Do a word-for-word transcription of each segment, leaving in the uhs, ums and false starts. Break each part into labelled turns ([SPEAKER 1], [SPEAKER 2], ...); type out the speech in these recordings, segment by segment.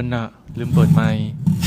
[SPEAKER 1] น่ะลืมเปิดไมค์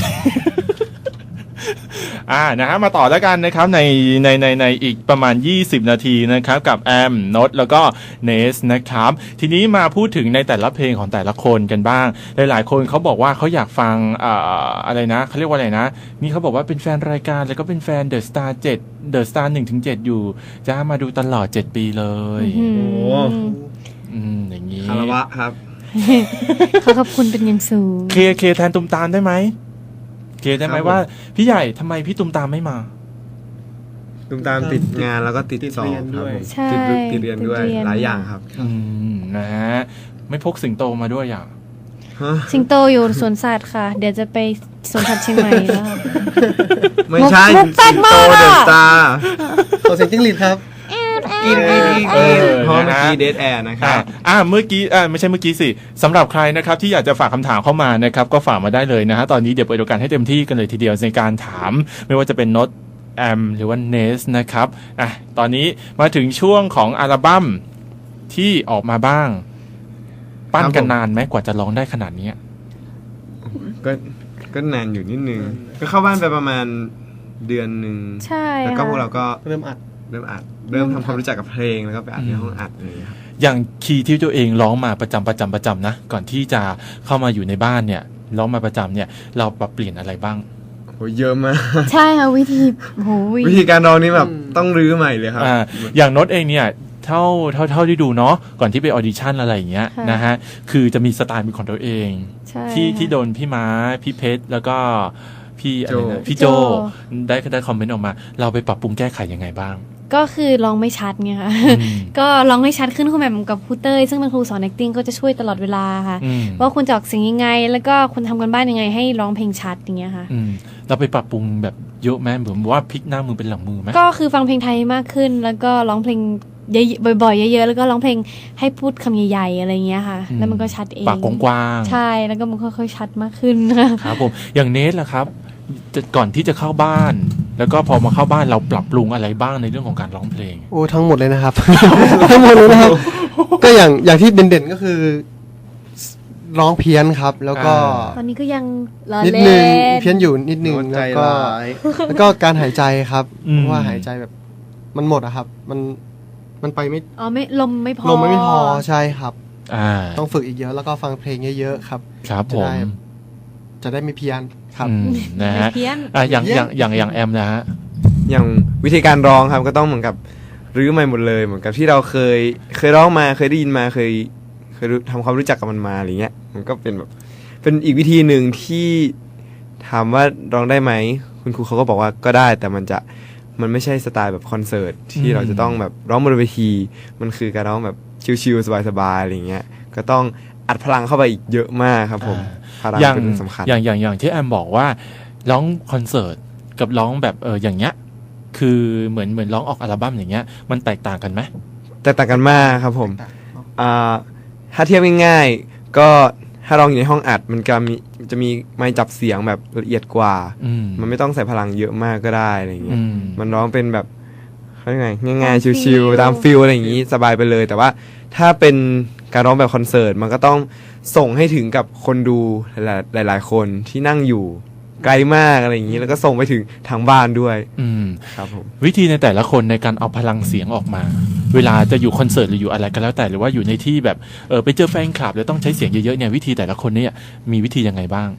[SPEAKER 1] อ่านะฮะมาต่อแล้วกันนะครับในในในในอีกประมาณยี่สิบนาทีนะครับกับแอมโนตแล้วก็เนสนะครับทีนี้มาพูดถึงในแต่ละเพลงของแต่ละคนกันบ้างหลายๆคนเขาบอกว่าเขาอยากฟังอ่าอะไรนะเขาเรียกว่าอะไรนะนี่เขาบอกว่าเป็นแฟนรายการแล้วก็เป็นแฟนเดอะสตาร์เจ็ดเดอะสตาร์หนึ่งถึงเจ็ดอยู่จะมาดูตลอดเจ็ดปีเลย
[SPEAKER 2] โอ้
[SPEAKER 1] อืมอย่างนี้
[SPEAKER 2] คารวะครับ
[SPEAKER 3] ขอขอบคุณเป็นอย่างสูง
[SPEAKER 1] เคเคแทนตุมตามได้ไหมเคได้ไหมว่าพี่ใหญ่ทำไมพี่ตุมตามไม่มา
[SPEAKER 2] ตุมตามติดงานแล้วก็ติดสอบด้วยติดติดเรียนด้วยหลายอย่างครับ
[SPEAKER 1] อืมนะฮะไม่พกสิงโตมาด้วยอย่าง
[SPEAKER 3] สิงโตอยู่สวนสัตว์ค่ะเดี๋ยวจะไปสวนสัตว์เชียงใหม่แล้ว
[SPEAKER 2] ไม่ใช่สิงโตเดอะสตาร์
[SPEAKER 4] ขอเสียงจิ้งหรีดครับ
[SPEAKER 2] กินกินกินกินเพราะเมื่อกี้เดทแอร์นะครับ
[SPEAKER 1] อ่าเมื่อกี้อ่าไม่ใช่เมื่อกี้สิสำหรับใครนะครับที่อยากจะฝากคำถามเข้ามานะครับก็ฝากมาได้เลยนะฮะตอนนี้เดี๋ยวเปิดโอกาสให้เต็มที่กันเลยทีเดียวในการถามไม่ว่าจะเป็นโน้ตแอมหรือว่าเนสนะครับอ่ะตอนนี้มาถึงช่วงของอัลบั้มที่ออกมาบ้างปั้นกันนานไหมกว่าจะร้องได้ขนาดนี้
[SPEAKER 2] ก็ก็นานอยู่นิดนึงก็เข้าบ้านไปประมาณเดือนนึง
[SPEAKER 3] ใช่
[SPEAKER 2] แล้วก็พวกเราก็
[SPEAKER 4] เริ่มอัด
[SPEAKER 2] เริ่มอัดเริ่มทำความรู้จักกับเพลงแล้วก็ไปอัดในห้องอัดอะไรอย่างเงี้ยครับ
[SPEAKER 1] อย่างคีย์ที่ตัวเองร้องมาประจำประจำประจำนะก่อนที่จะเข้ามาอยู่ในบ้านเนี่ยร้องมาประจำเนี่ยเราปรับเปลี่ยนอะไรบ้าง
[SPEAKER 2] โหเยอะมาก
[SPEAKER 3] ใช่ค่ะวิธีโห
[SPEAKER 2] วิธีการร้องนี่แบบต้องรื้อใหม่เลยครับ
[SPEAKER 1] อ่าอย่างโน้ตเองเนี่ยเท่าเท่าเท่าที่ดูเนาะก่อนที่ไปออดิชั่นอะไรอย่างเงี้ยนะฮะคือจะมีสไตล์เป็นของตัวเองที่ที่โดนพี่ม้าพี่เพชรแล้วก็พี่อะไรนะพี่โจได้ได้คอมเมนต์ออกมาเราไปปรับปรุงแก้ไขยังไงบ้าง
[SPEAKER 3] ก็คือร้องไม่ชัดไงค่ะก็ร้องให้ชัดขึ้นคุณแม่กับครูเต้ยซึ่งเป็นครูสอน acting ก็จะช่วยตลอดเวลาค่ะว่าคุณจะออกเสียงยังไงแล้วก็คุณทำกันบ้านยังไงให้ร้องเพลงชัดอย่างเงี้ยค่ะ
[SPEAKER 1] เราไปปรับปรุงแบบเยอะไหมเหมือนว่าพลิกหน้ามือเป็นหลังมือไหม
[SPEAKER 3] ก็คือฟังเพลงไทยมากขึ้นแล้วก็ร้องเพลงเยอะบ่อยๆเยอะๆแล้วก็ร้องเพลงให้พูดคำใหญ่ๆอะไรเงี้ยค่ะแล้วมันก็ชัดเอง
[SPEAKER 1] ปากกว้าง
[SPEAKER 3] ๆใช่แล้วก็มันค่อยๆชัดมากขึ้น
[SPEAKER 1] ครับผมอย่างเนสล่ะครับก่อนที่จะเข้าบ้านแล้วก็พอมาเข้าบ้านเราปรับปรุงอะไรบ้างในเรื่องของการร้องเพลง
[SPEAKER 4] โอ้ทั้งหมดเลยนะครับ ทั้งหมดเลยนะครับก็อย่างอย่างที่เด่นๆก็คือร้องเพี้ยนครับแล้วก็
[SPEAKER 3] ตอนนี้ก็ยัง
[SPEAKER 4] นิดนึงเพี้ยนอยู่นิดนึงแล้วก็แล้วก็การหายใจครับเพราะว่าหายใจแบบมันหมดอะครับมันมันไปไม่
[SPEAKER 3] อ๋อไม่ลมไม่พอ
[SPEAKER 4] ลมไม่พอใช่ครับต้องฝึกอีกเยอะแล้วก็ฟังเพลงเยอะๆครับ
[SPEAKER 1] ครับผม
[SPEAKER 4] จะได้ไม่เพี้ยนครับ
[SPEAKER 1] นะฮะอย่างอย่างอย่างอย่างแอมนะฮะ
[SPEAKER 2] อย่างวิธีการร้องครับก็ต้องเหมือนกับรื้อใหม่หมดเลยเหมือนกับที่เราเคยเคยร้องมาเคยได้ยินมาเคยเคยทำความรู้จักกับมันมาอะไรเงี้ยมันก็เป็นแบบเป็นอีกวิธีหนึ่งที่ถามว่าร้องได้ไหมคุณครูเขาก็บอกว่าก็ได้แต่มันจะมันไม่ใช่สไตล์แบบคอนเสิร์ตที่เราจะต้องแบบร้องบนเวทีมันคือการร้องแบบชิลๆสบายๆอะไรเงี้ยก็ต้องอัดพลังเข้าไปอีกเยอะมากครับผม
[SPEAKER 1] อย่างอย่างอย่างอย่างที่แอมบอกว่าร้องคอนเสิร์ตกับร้องแบบเอออย่างเงี้ยคือเหมือนเหมือนร้องออกอัลบั้มอย่างเงี้ยมันแตกต่างกันไหม
[SPEAKER 2] แตกต่างกันมากครับผมอ่าถ้าเทียบง่ายๆก็ถ้าร้องอยู่ในห้องอัดมันก็มีจะมีไมค์จับเสียงแบบละเอียดกว่ามันไม่ต้องใส่พลังเยอะมากก็ได้อะไรเงี้ยมันร้องเป็นแบบเขาเรียกไงง่ายๆชิลๆตามฟีลอะไรอย่างงี้สบายไปเลยแต่ว่าถ้าเป็นการร้องแบบคอนเสิร์ตมันก็ต้องส่งให้ถึงกับคนดูหลายๆคนที่นั่งอยู่ไกลมากอะไรอย่างนี้แล้วก็ส่งไปถึงทางบ้านด้วยครับผม
[SPEAKER 1] วิธีในแต่ละคนในการเอาพลังเสียงออกมาเวลาจะอยู่คอนเสิร์ตหรืออยู่อะไรก็แล้วแต่หรือว่าอยู่ในที่แบบเออไปเจอแฟนคลับแล้วต้องใช้เสียงเยอะๆเนี่ยวิธีแต่ละคนเนี่ยมีวิธียังไงบ้าง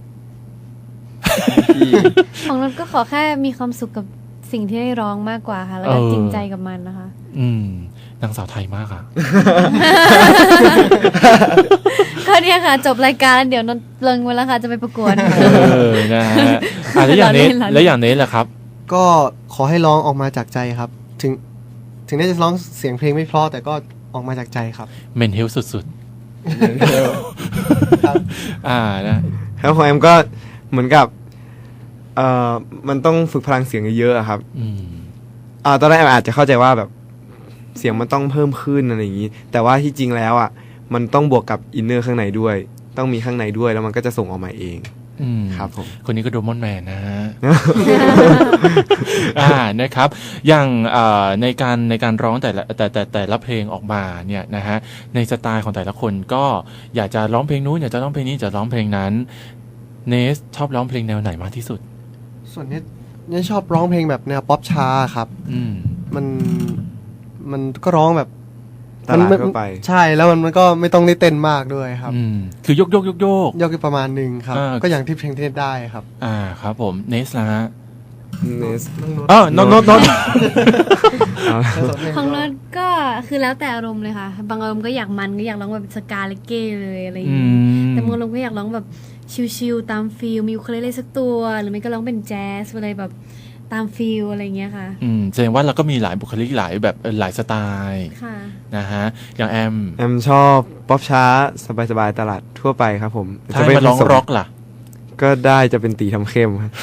[SPEAKER 3] ของเราก็ขอแค่มีความสุขกับสิ่งที่ได้ร้องมากกว่าค่ะแล้วก็จริงใจกับมันนะคะ
[SPEAKER 1] อืมนางสาวไทยมากค่ะ
[SPEAKER 3] ก็เนี่ยค่ะจบรายการเดี๋ยวนนเลิงไว้แล้วค่ะจะไปประกวด
[SPEAKER 1] เออนะฮะแล้วอย่างนี้แล้วอย่างนี้แหละครับ
[SPEAKER 4] ก็ขอให้ร้องออกมาจากใจครับถึงถึงได้จะร้องเสียงเพลงไม่เพราะแต่ก็ออกมาจากใจครับ
[SPEAKER 1] เมนเฮลสุดๆครับอ่านะ
[SPEAKER 2] แล้วของแอมก็เหมือนกับเอ่อมันต้องฝึกพลังเสียงเยอะๆครับอืมอ่าตอนแรกอาจจะเข้าใจว่าแบบเสียงมันต้องเพิ่มขึ้นอะไรอย่างนี้แต่ว่าที่จริงแล้วอ่ะมันต้องบวกกับอินเนอร์ข้างในด้วยต้องมีข้างในด้วยแล้วมันก็จะส่งออกมาเอง
[SPEAKER 1] อืม
[SPEAKER 2] ครับผม
[SPEAKER 1] คนนี้ก็โดมอนแมนนะฮะ อ่านะครับอย่างเอ่อในการในการร้องแต่ละแต่แต่แต่ละเพลงออกมาเนี่ยนะฮะในสไตล์ของแต่ละคนก็อยากจะร้องเพลงนู้นอยากจะร้องเพลงนี้จะร้องเพลงนั้นเนสชอบร้องเพลงแนวไหนมากที่สุด
[SPEAKER 4] ส่วนนี้เนี่ยชอบร้องเพลงแบบแนวป๊อปช้าครับ
[SPEAKER 1] อืม
[SPEAKER 4] มันมันก็ร้องแบบ
[SPEAKER 2] ตลาด
[SPEAKER 4] มัน
[SPEAKER 2] ทั่วไป
[SPEAKER 4] ใช่แล้วมันมันก็ไม่ต้องได้เต้นมากด้วยครับ
[SPEAKER 1] อืมคือยกยกยกโยก
[SPEAKER 4] ยกอยู่ประมาณหนึ่งครับ
[SPEAKER 1] อ่า
[SPEAKER 4] ก็อย่างที่เพลงที่ได้ครับ
[SPEAKER 1] อ่าครับผมเนสนะฮะ
[SPEAKER 2] เนส
[SPEAKER 1] อ๋อนนนน
[SPEAKER 3] ของโน้ตก็คือแล้วแต่อารมณ์เลยค่ะ บางอารมณ์ก็อยากมันก็อยากร้องแบบสกาเลเก้เลยอะไรอย่าง
[SPEAKER 1] อื
[SPEAKER 3] งี้
[SPEAKER 1] ม
[SPEAKER 3] แต่บางอารมณ์ก็อยากร้องแบบชิลๆตามฟีลมียูเคเลเล่สักตัว หรือไม่ก็ร้องเป็นแจ๊สอะไรแบบตามฟีลอะไรอย่างเงี้ยค่ะ
[SPEAKER 1] อืมแสดงว่าเราก็มีหลายบุคลิกหลายแบบเอ่อหลายสไตล์
[SPEAKER 3] ค่ะ
[SPEAKER 1] นะฮะอย่างแอม
[SPEAKER 2] แอมชอบป๊อปช้าสบายๆตลาดทั่วไปครับผม
[SPEAKER 1] ถ้าให้มาร้อง
[SPEAKER 2] ผส
[SPEAKER 1] ร็อกล่ะ
[SPEAKER 2] ก็ได้จะเป็นตีทำเข้มครับ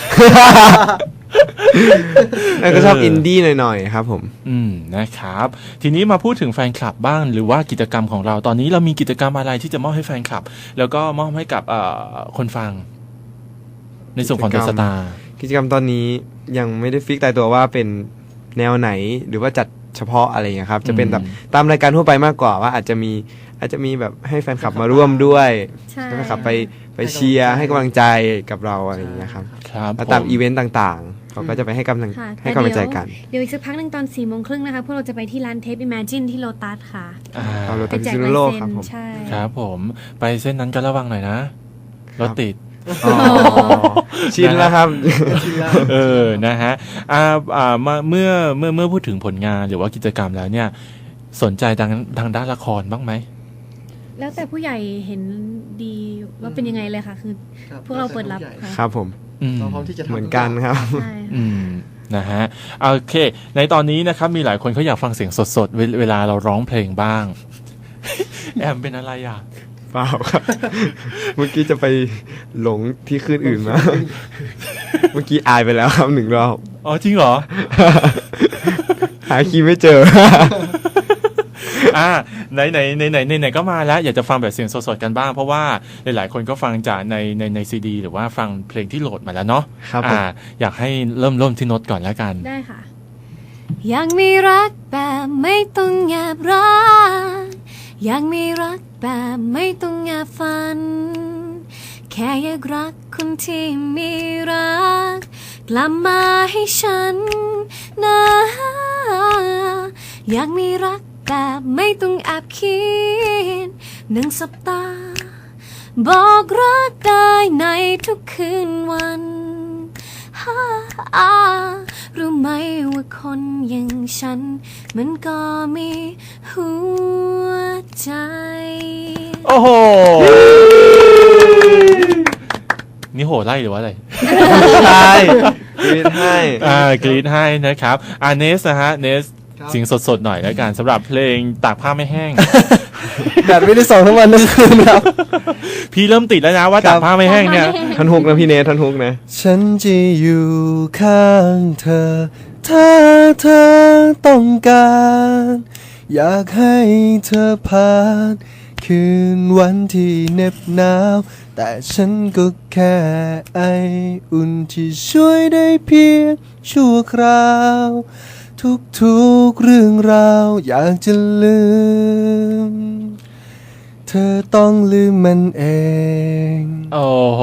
[SPEAKER 2] แล้วก็ชอบอินดี้หน่อยๆครับผม
[SPEAKER 1] อืมนะครับ ทีนี้มาพูดถึงแฟนคลับบ้างหรือว่ากิจกรรมของเราตอนนี้เรามีกิจกรรมอะไรที่จะมอบให้แฟนคลับ แล้วก็มอบให้กับเอ่อคนฟัง ในส่วนของเด
[SPEAKER 2] กิ
[SPEAKER 1] อะ
[SPEAKER 2] จ
[SPEAKER 1] ส
[SPEAKER 2] กรรม
[SPEAKER 1] ตาร์
[SPEAKER 2] กิจกรรมตอนนี้ยังไม่ได้ฟิกตายตัวว่าเป็นแนวไหนหรือว่าจัดเฉพาะอะไรอย่างเงี้ยครับ จะเป็นแบบตามรายการทั่วไปมากกว่าว่าอาจจะมีอาจจะมีแบบให้แฟนคลับมาร่วมด้วย
[SPEAKER 3] ใช่
[SPEAKER 2] ให้แฟนคลับไปไปเชียร์ให้กำลังใจกับเราอะไรอย่างเงี้ยครับ
[SPEAKER 1] ครับ
[SPEAKER 2] แล้วตาม
[SPEAKER 1] ผ
[SPEAKER 2] อีเวนต์ต่างๆ เขาก็จะไปให้กำลัง
[SPEAKER 3] ค่ะ
[SPEAKER 2] ให้กำลังใจกัน
[SPEAKER 3] เดี๋ยวอีกสักพักหนึ่งตอนสี่โมงครึ่งนะคะพวกเราจะไปที่ร้านเทป Imagine ที่โลตัสค่ะ
[SPEAKER 1] อ่า
[SPEAKER 2] เอาเรา
[SPEAKER 3] ไป
[SPEAKER 2] ไป
[SPEAKER 3] แจก
[SPEAKER 2] พิษณุ
[SPEAKER 3] ลาย
[SPEAKER 2] โลก
[SPEAKER 3] เซ็
[SPEAKER 2] ครับ
[SPEAKER 3] น
[SPEAKER 2] ผม
[SPEAKER 3] ใช่
[SPEAKER 1] ครับผมไปเส้นนั้นก็ระวังหน่อยนะรถติด
[SPEAKER 2] อ๋อชินแล้วครับ
[SPEAKER 1] เออ นะฮะ อ่า อ่ามาเมื่อ เมื่อ เมื่อพูดถึงผลงานหรือว่ากิจกรรมแล้วเนี่ย สนใจทางทางด้านละครบ้างไหม
[SPEAKER 3] แล้วแต่ผู้ใหญ่เห็นดีว่าเป็นยังไงเลยค่ะ คือ พวกเราเปิดรับค่ะ
[SPEAKER 2] ครับผม
[SPEAKER 1] อืม
[SPEAKER 4] เราพร้อมที่จะทำ
[SPEAKER 2] เหมือนกันครับ
[SPEAKER 3] ใช่ค่ะ
[SPEAKER 1] อืม นะฮะ โอเค ในตอนนี้นะครับ มีหลายคนเขาอยากฟังเสียงสดๆ เวเวลาเราร้องเพลงบ้าง แอมเป็นอะไรอ่ะ
[SPEAKER 2] เปล่าครับ เมื่อกี้จะไปหลงที่คลื่นอื่นมา เมื่อกี้อายไปแล้วครับหนึ่งรอบ
[SPEAKER 1] อ๋อ จริงเหรอ
[SPEAKER 2] หาคีย์ไม่เจอ
[SPEAKER 1] อ่าไหนไหนไหนไหนไหนไหนก็มาแล้ว อยากจะฟังแบบเสียงสดๆกันบ้าง เพราะว่าหลายๆคนก็ฟังจากในในในซีดีหรือว่าฟังเพลงที่โหลดมาแล้วเนาะ
[SPEAKER 2] ครับผม
[SPEAKER 1] อ่า อยากให้เริ่มเริ่มที่โน้ตก่อนแล้วกัน
[SPEAKER 3] ได้ค่ะ อยากมีรักแบบไม่ต้องแอบรักอยากมีรักแบบไม่ต้องแอบฝัน แค่อยากรักคนที่มีรัก กลับมาให้ฉันนะ อยากมีรักแบบไม่ต้องแอบคิดหนึ่งสัปดาห์บอกรักได้ในทุกคืนวันฮ่าอ่ารู้ไหมว่าคนอย่างฉัน มันก็มีหัวใจ
[SPEAKER 1] โอ้โห นี่โหไล่หรือว่าอะไร
[SPEAKER 2] ใช่กรีดให้
[SPEAKER 1] อ่ากรีดให้นะครับอ่าเนสนะฮะ เนสเสียงสดๆหน่อยแล้วกันสำหรับเพลงตากผ้าไม่แห้ง
[SPEAKER 4] แดดไม่ได้ส่องทั้งวันทั้งคืนครับ
[SPEAKER 1] พี่เริ่มติดแล้วนะว่าตากผ้าไม่แห้งเนี่ย
[SPEAKER 2] ท่อนฮุกนะพี่เนทท่อนฮุกนะ
[SPEAKER 4] ฉันจะอยู่ข้างเธอ ถ้าเธอต้องการ อยากให้เธอผ่านคืนวันที่เหน็บหนาว แต่ฉันก็แค่ไออุ่นที่ช่วยได้เพียงชั่วคราว ทุกๆเรื่องราวอยากจะลืม เธอต้องลืมมันเอง
[SPEAKER 1] โอ้โห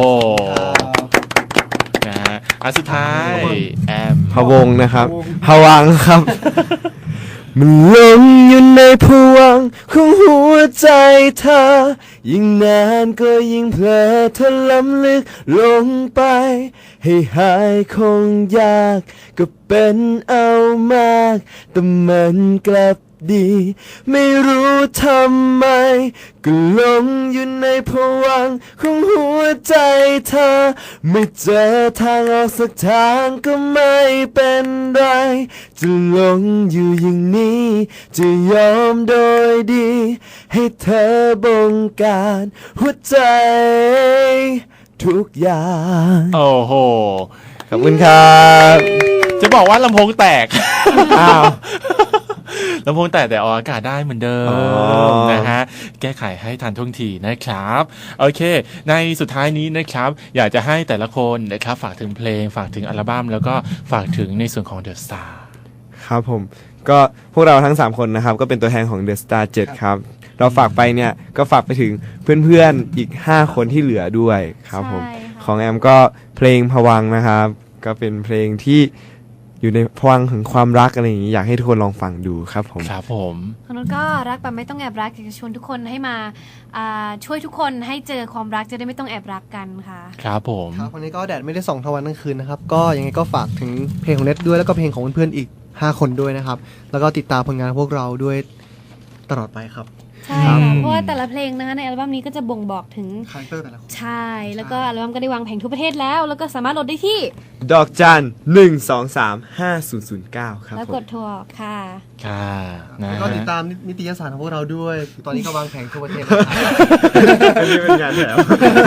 [SPEAKER 1] นะฮะอันสุดท้ายแอม
[SPEAKER 2] พะวงนะครับพะวังครับ มันหลงอยู่ในผวังค์ของหัวใจเธอ ยิ่งนานก็ยิ่งเพลอเธอล้ำลึกลงไป ให้หายคงยากก็เป็นเอามาก แต่มันกลับดี ไม่รู้ทำไม ก็หลงอยู่ในผวังค์ของหัวใจเธอ ไม่เจอทางออกสักทางก็ไม่เป็นไร จะหลงอยู่อย่างนี้ จะยอมโดยดี ให้เธอบงการหัวใจ ทุกอย่าง
[SPEAKER 1] โอ้โห
[SPEAKER 2] ขอบคุณครับ
[SPEAKER 1] จะบอกว่าลำโพงแตก
[SPEAKER 2] อ้าว
[SPEAKER 1] ลำโพงแตกแต่ออกอากาศได้เหมือนเดิ
[SPEAKER 2] อ๋
[SPEAKER 1] ม
[SPEAKER 2] อ
[SPEAKER 1] นะฮะแก้ไขให้ทันท่วงทีนะครับโอเค ในสุดท้ายนี้นะครับอยากจะให้แต่ละคนนะครับฝากถึงเพลงฝากถึงอัลบั้มแล้วก็ฝากถึงในส่วนของ The Star
[SPEAKER 2] ครับผมก็พวกเราทั้งสามคนนะครับก็เป็นตัวแทนของ The Star เจ็ดครับเราฝากไปเนี่ยก็ฝากไปถึงเพื่อนๆอีกห้าคนที่เหลือด้วยครับผม
[SPEAKER 3] ใช่ค่ะ
[SPEAKER 2] ของแอมก็เพลงผวังค์นะครับก็เป็นเพลงที่อยู่ในผวังค์ถึงความรักอะไรอย่างนี้อยากให้ทุกคนลองฟังดูครับผม
[SPEAKER 1] ครับผม
[SPEAKER 3] ของนุชก็รักแบบไม่ต้องแอบรักอยากจะชวนทุกคนให้มาอ่าช่วยทุกคนให้เจอความรักจะได้ไม่ต้องแอบรักกันค่ะ
[SPEAKER 1] ครับผม
[SPEAKER 4] ครับวันนี้ก็แดดไม่ได้ส่องทั้งวันทั้งคืนนะครับ ก็ยังไงก็ฝากถึงเพลงของเน็ตด้วยแล้วก็เพลงของเพื่อนๆอีกห้าคนด้วยนะครับ แล้วก็ติดตามผลงานพวกเราด้วยตลอดไปครับ
[SPEAKER 3] ใช่ค่ะเพราะว่าแต่ละเพลงนะคะในอัลบั้มนี้ก็จะบ่งบอกถึง
[SPEAKER 4] คาแรคเตอร์แต่ละคน
[SPEAKER 3] ใช่แล้วก็อัลบั้มก็ได้วางแผงทั่วประเทศแล้ว แล้วก็สามารถโหลดได้ที่
[SPEAKER 2] ดอกจันหนึ่งสองสามห้าศูนย์ศูนย์เก้าครับ
[SPEAKER 3] แล้ว
[SPEAKER 2] ผ
[SPEAKER 3] ก
[SPEAKER 2] ม
[SPEAKER 3] ดโทรออกค่ะ
[SPEAKER 1] ค่ะนะ
[SPEAKER 4] แล้ว
[SPEAKER 1] ฮะ
[SPEAKER 4] ก็ติดตามนิตยสารของพวกเราด้วย ตอนนี้ก็วางแผงทั่วประเทศแล้วครับ
[SPEAKER 2] อันนี้เป็นงานแถม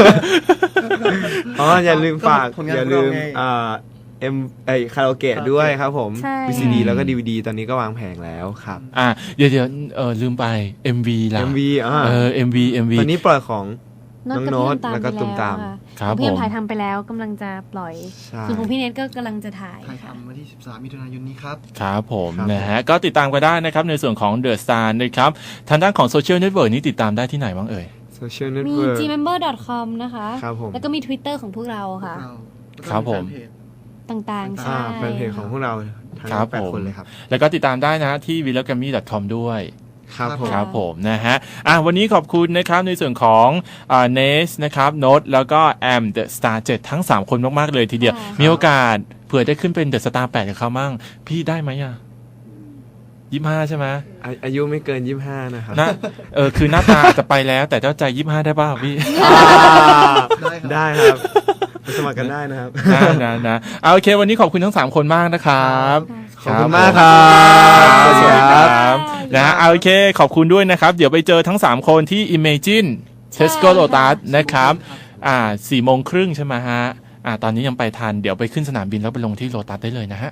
[SPEAKER 2] อ๋ออย่าลืมฝาก
[SPEAKER 4] ก็ผลงาน
[SPEAKER 2] อย่าลืม
[SPEAKER 4] ของเราไง
[SPEAKER 2] อ่าเอ็มไอคาราโอเกะด้วยครับผม
[SPEAKER 3] ใช่
[SPEAKER 2] วี ซี ดี แล้วก็ ดี วี ดี ตอนนี้ก็วางแผงแล้วครับ
[SPEAKER 1] อ่ะเดี๋ยวเดี๋ยวเออลืมไป เอ็ม วี ล่ะ
[SPEAKER 2] เอ็ม วี อ่า
[SPEAKER 1] เออ เอ็ม วี เอ็ม วี
[SPEAKER 2] ตอนนี้ปล่อยของ
[SPEAKER 3] น้อง
[SPEAKER 2] น้อง
[SPEAKER 3] กับพี่
[SPEAKER 2] โน้ตแล้วก็
[SPEAKER 3] ไป
[SPEAKER 2] ตุ้มตาม
[SPEAKER 3] ค่ะ
[SPEAKER 1] ครับ
[SPEAKER 3] ของพี่
[SPEAKER 1] ผม
[SPEAKER 3] ถ่ายทำไปแล้วกำลังจะปล่อย
[SPEAKER 2] ใช่
[SPEAKER 3] ส่วนของพี่เนทก็กำลังจะถ่าย
[SPEAKER 4] ถ่าย
[SPEAKER 3] ค่ะ
[SPEAKER 4] ทำวันที่สิบสามมิถุนายนนี้ครับ
[SPEAKER 1] ครับผม
[SPEAKER 2] ครับ
[SPEAKER 1] นะฮะก็ติดตามกันได้นะครับในส่วนของ The Star นะครับทางด้านของโซเชียลเน็ตเวิร์กนี้ติดตามได้ที่ไหนบ้างเอ่ย
[SPEAKER 2] โซเชียลเน็ต
[SPEAKER 3] มี
[SPEAKER 2] เวิร์ก
[SPEAKER 3] จี เมมเบอร์ ดอท คอม นะคะ
[SPEAKER 2] ครับผม
[SPEAKER 3] แล้วก็มี Twitter ของพวกเราค่ะ
[SPEAKER 4] เราแล้วก็
[SPEAKER 1] ครับผม
[SPEAKER 4] แฟนเพจ
[SPEAKER 3] ต่างๆ
[SPEAKER 2] อ่า
[SPEAKER 3] ใช่
[SPEAKER 2] แฟนเพจของพวกเราทั้ง
[SPEAKER 1] ครับ
[SPEAKER 2] แปด
[SPEAKER 1] ผม
[SPEAKER 2] คนเลยครับ
[SPEAKER 1] แล้วก็ติดตามได้นะที่ วี แอล แกรมมี่ ดอท คอม ด้วย
[SPEAKER 2] ครับผม
[SPEAKER 1] ครับผมนะฮะอ่ะวันนี้ขอบคุณนะครับในส่วนของอ่าเนสนะครับโน้ตแล้วก็แอม The Star เจ็ดทั้ง สาม คนมาก ๆ เลยทีเดียว
[SPEAKER 3] ค่ะ
[SPEAKER 1] มีโอกาสเผื่อได้ขึ้นเป็น The Star แปดกับเขามั่งพี่ได้ไหมอ่ะยี่ห้าใช่ไหม
[SPEAKER 2] อาอายุไม่เกินยี่สิบห้านะครับ
[SPEAKER 1] นะเออคือหน้าตาอาจจะไปแล้วแต่เจ้าใจยี่ห้าได้ป่าวพี่
[SPEAKER 2] ได้ครับไปสมัครกันได้นะครับ
[SPEAKER 1] นะนะนะเอาโอเค วันนี้ขอบคุณทั้ง สาม คนมากนะครับ
[SPEAKER 2] ขอบคุณมากครับ
[SPEAKER 1] สวัสดีค
[SPEAKER 2] ครั
[SPEAKER 1] รับ บนะฮะเอาโอเค ขอบคุณด้วยนะครับ เดี๋ยวไปเจอทั้ง สาม คนที่ Imagine
[SPEAKER 3] ใช่
[SPEAKER 1] Tesco
[SPEAKER 3] ค่ะ
[SPEAKER 1] Lotus นะครับอ่าสี่โมงครึ่งใช่ไหมฮะอ่าตอนนี้ยังไปทันเดี๋ยวไปขึ้นสนามบินแล้วไปลงที่โลตัสได้เลยนะฮะ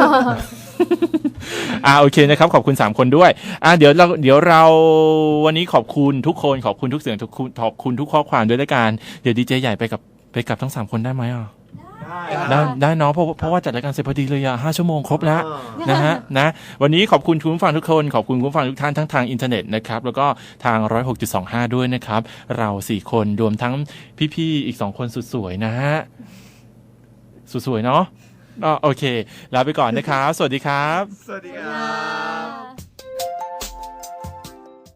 [SPEAKER 1] อ่าโอเคนะครับขอบคุณ สาม คนด้วยอ่าเดี๋ยวเราเดี๋ยวเราวันนี้ขอบคุณทุกคนขอบคุณทุกเสียงทุกคุณขอบคุณทุกข้อความด้วยละกันเดี๋ยวดีเจใหญ่ไปกับไปกับทั้ง สาม คนได้ไหมอ่ะได้ได้เนาะเพราะเพราะว่าจัดรายการเสร็จพอดีเลยอ่ะห้าชั่วโมงครบแล้วนะฮะนะวันนี้ขอบคุณคุณผู้ฟังทุกคนขอบคุณคุณผู้ฟังทุกท่านทั้งทางอินเทอร์เน็ตนะครับแล้วก็ทางหนึ่งศูนย์หกจุดสองห้าด้วยนะครับเราสี่คนรวมทั้งพี่ๆอีกสองคนสุดสวยนะฮะสุดสวยเนาะอ๋อโอเคลาไปก่อนนะครับสวัสดีครับ
[SPEAKER 2] สวัสดีครับ
[SPEAKER 3] ค่ะ